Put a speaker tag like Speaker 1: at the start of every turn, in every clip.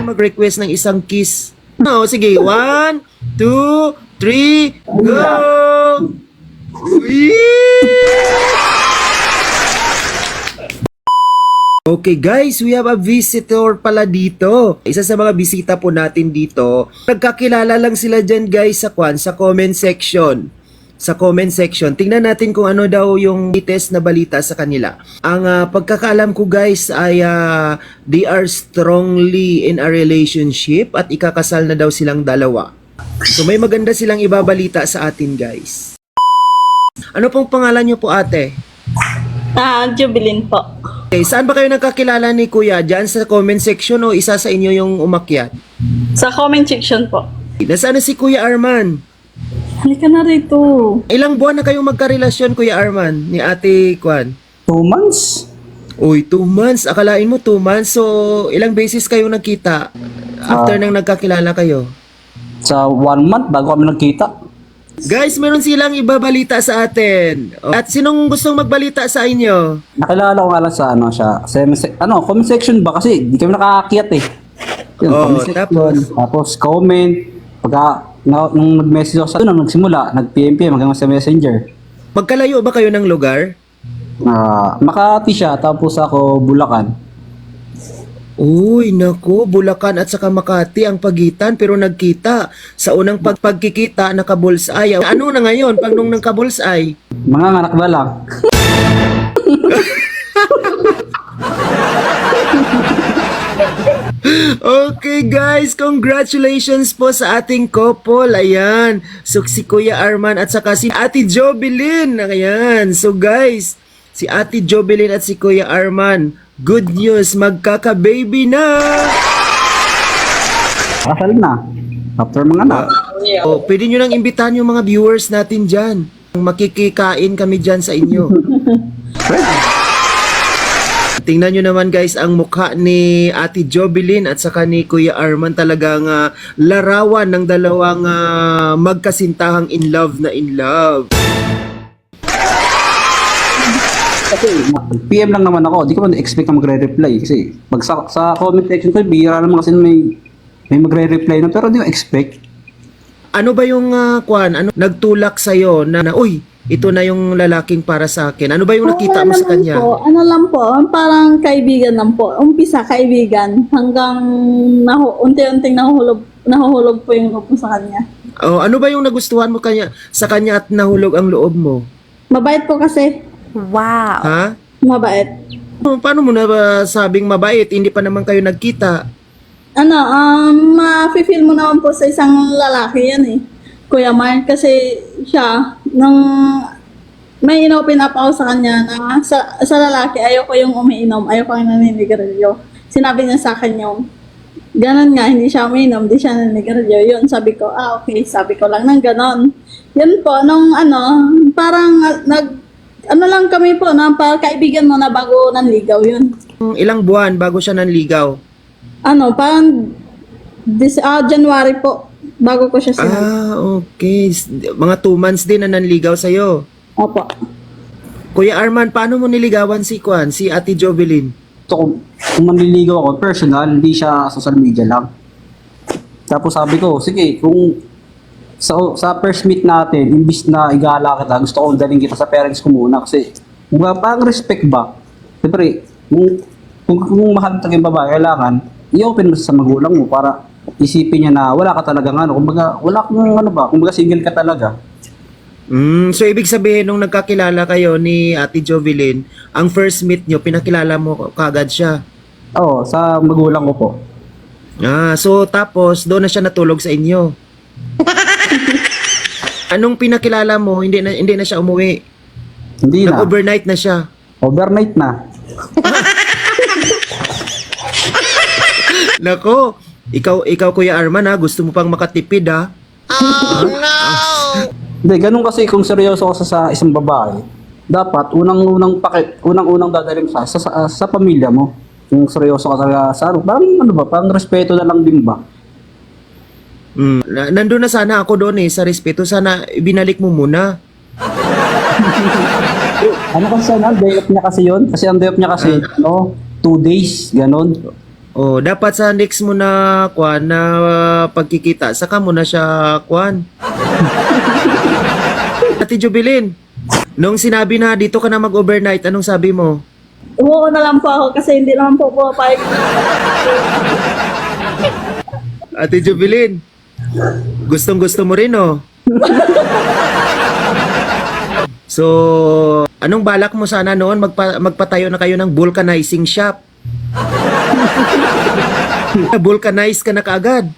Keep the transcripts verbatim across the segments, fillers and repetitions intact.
Speaker 1: mag-request ng isang kiss. No, sige. One, two, three, go! Okay guys, we have a visitor pala dito. Isa sa mga bisita po natin dito. Nagkakilala lang sila dyan guys sa kwan, sa comment section. Sa comment section. Tingnan natin kung ano daw yung latest na balita sa kanila. Ang uh, pagkakaalam ko guys ay uh, they are strongly in a relationship at ikakasal na daw silang dalawa. So may maganda silang ibabalita sa atin guys. Ano pong pangalan nyo po ate?
Speaker 2: Ah, Jubilin po.
Speaker 1: Okay, saan ba kayo nagkakilala ni Kuya? Diyan sa comment section o isa sa inyo yung umakyat?
Speaker 2: Sa comment section po.
Speaker 1: Nasaan na si Kuya Arman?
Speaker 2: Halika na rito.
Speaker 1: Ilang buwan na kayong magkarelasyon, Kuya Arman, ni Ate Kwan?
Speaker 3: Two months?
Speaker 1: Uy, two months. Akalain mo two months. So, ilang beses kayo nagkita after
Speaker 3: Ah.
Speaker 1: nang nagkakilala kayo?
Speaker 3: Sa one month bago kami nagkita.
Speaker 1: Guys, meron silang ibabalita sa atin. At sinong gustong magbalita sa inyo?
Speaker 3: Nakilala ko nga lang sa ano siya. Sa, ano, comment section ba kasi di kami nakakakyat eh. Yun,
Speaker 1: Oo,
Speaker 3: comment section,
Speaker 1: tapos?
Speaker 3: tapos comment. Pagka na, nung nag-message ako sa doon, nagsimula, nag-P M P M hanggang sa Messenger.
Speaker 1: Magkalayo ba kayo ng lugar?
Speaker 3: Ah, Makati siya, tapos ako Bulacan.
Speaker 1: Uy, naku, Bulacan at saka Makati ang pagitan pero nagkita. Sa unang pagpagkikita, nakabulsay. Ano na ngayon pag nung nagkabulsay?
Speaker 3: Mga anak ba lang?
Speaker 1: Okay guys, congratulations po sa ating couple. Ayan, so si Kuya Arman at saka si Ate Jobilin. Ayan, so guys, si Ate Jobilin at si Kuya Arman, good news, magkaka-baby na!
Speaker 3: Kasal na. After mga anak.
Speaker 1: O, pwede nyo nang imbitahan yung mga viewers natin dyan. Makikikain kami dyan sa inyo. Tingnan nyo naman guys ang mukha ni Ate Jobilin at saka ni Kuya Arman, talagang uh, larawan ng dalawang uh, magkasintahang in love na in love.
Speaker 3: Kasi P M lang naman ako, di ko man expect na magre-reply kasi pag sa, sa comment section ko, bihira naman kasi may may magre-reply na pero di ko expect.
Speaker 1: Ano ba yung uh, kwan? Ano nagtulak sa na, na uy, ito na yung lalaking para sa akin? Ano ba yung nakita mo sa kanya?
Speaker 2: Po, ano lang po, parang kaibigan lang po. Umpisa kaibigan hanggang nahu unti-unting nahuhulog, nahuhulog po yung loob ko sa kanya.
Speaker 1: Oh, ano ba yung nagustuhan mo kanya sa kanya at nahulog ang loob mo?
Speaker 2: Mabait po kasi.
Speaker 4: Wow.
Speaker 1: Ha?
Speaker 2: Mabait.
Speaker 1: Oh, paano mo na ba sabing mabait? Hindi pa naman kayo nagkita.
Speaker 2: Ano, um, ma-feel mo naman po sa isang lalaki yan eh. Kuya Mark, kasi siya, nung may inopen up ako sa kanya na sa, sa lalaki, ayoko yung umiinom, ayoko yung naninigarilyo. Sinabi niya sa akin yung, ganun nga, hindi siya umiinom, hindi siya naninigarilyo. Yun, sabi ko, ah okay, sabi ko lang ng ganon. Yun po, nung ano, parang uh, nag, ano lang kami po, na kaibigan mo na bago nanligaw yun.
Speaker 1: Ilang buwan bago siya nanligaw?
Speaker 2: Ano, parang this, ah, January po, bago ko siya sinabi.
Speaker 1: Ah, okay. S- Mga two months din na nanligaw sa'yo.
Speaker 2: Opo.
Speaker 1: Kuya Arman, paano mo niligawan si Kwan, si Ate Jobilin?
Speaker 3: So kung, kung manliligaw ako, personal, hindi siya social media lang. Tapos sabi ko, sige, kung sa, sa first meet natin, imbis na igala kita, gusto ko daling kita sa parents ko muna kasi kung parang respect ba? Siyempre, kung, kung, kung mahal talaga yung babae, kailangan i-open mo sa magulang mo para isipin niya na wala ka talagang ano, kumbaga wala kang ano ba, kumbaga single ka talaga.
Speaker 1: Mm, so ibig sabihin nung nagkakilala kayo ni Ate Jobilin, ang first meet nyo, pinakilala mo kagad siya.
Speaker 3: Oo, sa magulang ko po.
Speaker 1: Ah, so tapos doon na siya natulog sa inyo. Anong pinakilala mo, hindi na hindi na siya umuwi.
Speaker 3: Hindi na.
Speaker 1: Nag-overnight na siya.
Speaker 3: Overnight na.
Speaker 1: Nako, ikaw ikaw Kuya Arman ha, gusto mo pang makatipid ha?
Speaker 3: Hindi, ganun kasi kung seryoso ka sa, sa isang babae, dapat unang-unang pakit, unang-unang dadalhin sa, sa, sa, sa pamilya mo. Kung seryoso ka talaga sa ano, parang ano ba, parang respeto na lang din ba?
Speaker 1: Mm, na- nandun na sana ako doon eh, sa respeto. Sana ibinalik mo muna.
Speaker 3: Ano kasi sana, day off niya kasi yun? Kasi ang day off niya kasi, no, two days, ganun.
Speaker 1: Oh, dapat sa next mo na kwan na uh, pagkikita, saka mo na siya kwan. Ate Jubilin, nung sinabi na dito ka na mag-overnight, anong sabi mo?
Speaker 2: Oo na lang po ako kasi hindi naman po pumapayag.
Speaker 1: Ate Jubilin, gustong gusto mo rin, oh. So, anong balak mo sana noon? Magpa- magpatayo na kayo ng vulcanizing shop. Vulcanize ka na kaagad.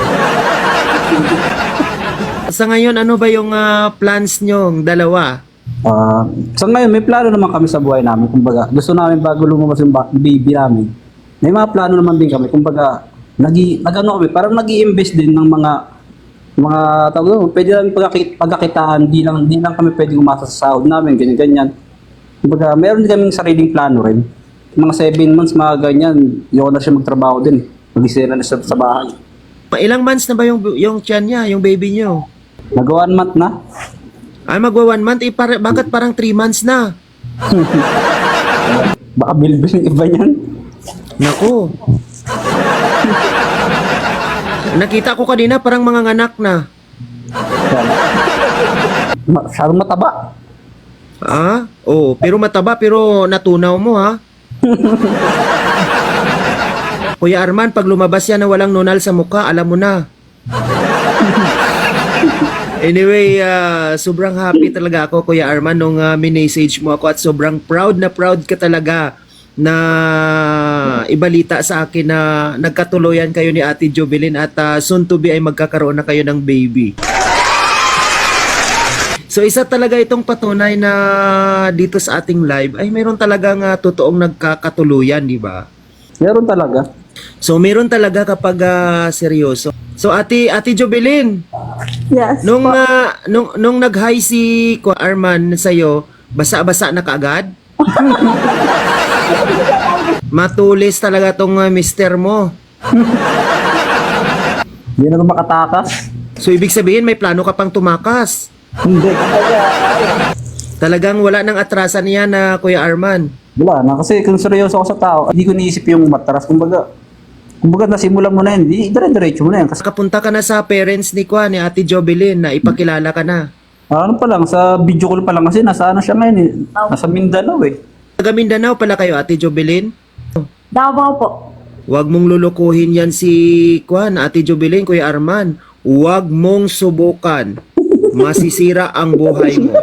Speaker 1: Sa ngayon, ano ba yung ah, plans nyo, dalawa?
Speaker 3: Ah, sa ngayon, may plano naman kami sa buhay namin. Kumbaga, gusto namin bago lumabas yung ba- baby namin. May mga plano naman din kami. Kumbaga, nag nag-ano kami, parang nag-i-invest din ng mga mga tawag doon, pwede lang pagkakit, pagkakitaan, di lang, di lang kami pwede umasa sa sahod namin, ganyan-ganyan. Kumbaga, meron din kaming sariling plano rin. Mga seven months, mga ganyan, yun na siya magtrabaho din. Mag-isira na siya sa bahay.
Speaker 1: Pa- Ilang months na ba yung, yung tiyan niya, yung baby nyo?
Speaker 3: Nag one month na.
Speaker 1: Ay, magwa one month, eh, par- bakit parang three months na?
Speaker 3: Baka bilbil yung iba niyan.
Speaker 1: Naku. Nakita ko kanina parang mga anak na.
Speaker 3: Masyadong mataba.
Speaker 1: Ah? Oo, pero mataba pero natunaw mo ha. Kuya Arman, pag lumabas yan na walang nunal sa mukha, alam mo na. Anyway, ah, sobrang happy talaga ako, Kuya Arman, nung uh, minessage mo ako at sobrang proud na proud ka talaga na ibalita sa akin na nagkatuloyan kayo ni Ate Jubilin at ah, soon to be ay magkakaroon na kayo ng baby. So isa talaga itong patunay na dito sa ating live ay meron talagang uh, totoong nagkakatuluyan, di ba?
Speaker 3: Meron talaga.
Speaker 1: So meron talaga kapag ah, seryoso. So Ate Ate Jubilin,
Speaker 2: Yes.
Speaker 1: nung
Speaker 2: po.
Speaker 1: ah, nung nung nag-hi si Kuya Arman sa iyo, basa-basa na kaagad? Matulis talaga tong uh, mister mo.
Speaker 3: Hindi na makatakas.
Speaker 1: So ibig sabihin may plano ka pang tumakas.
Speaker 3: Hindi.
Speaker 1: Talagang wala nang atrasan niya na Kuya Arman.
Speaker 3: Wala na. Kasi kung seryoso ako sa tao, hindi ko niisip yung matras. Kumbaga, kumbaga nasimulan mo na yun, di, dire-diretso mo na yan. Kasi
Speaker 1: Kapunta ka na sa parents ni Kuya ni Ate Jubilin na ipakilala ka na.
Speaker 3: ano pa lang, sa video call pa lang kasi nasa ano siya ngayon eh. Nasa Mindanao eh.
Speaker 1: Taga Mindanao pala kayo, Ate Jubilin.
Speaker 2: Davao po.
Speaker 1: Huwag mong lulukuhin yan si Kuan, Ate Jubilin, Kuya Arman. Huwag mong subukan. Masisira ang buhay mo.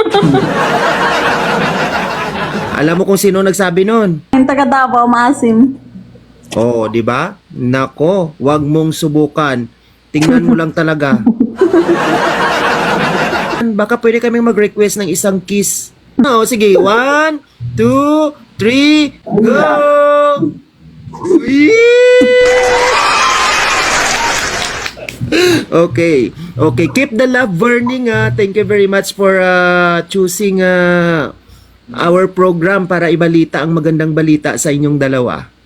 Speaker 1: Alam mo kung sino nagsabi nun?
Speaker 2: Yung taga Davao, maasim.
Speaker 1: Oo, di ba? Nako, huwag mong subukan. Tingnan mo lang talaga. Baka pwede kaming mag-request ng isang kiss. Oo, sige. One, two, three, go! Okay. Okay. Keep the love burning. Ah. Thank you very much for uh, choosing uh, our program para ibalita ang magandang balita sa inyong dalawa.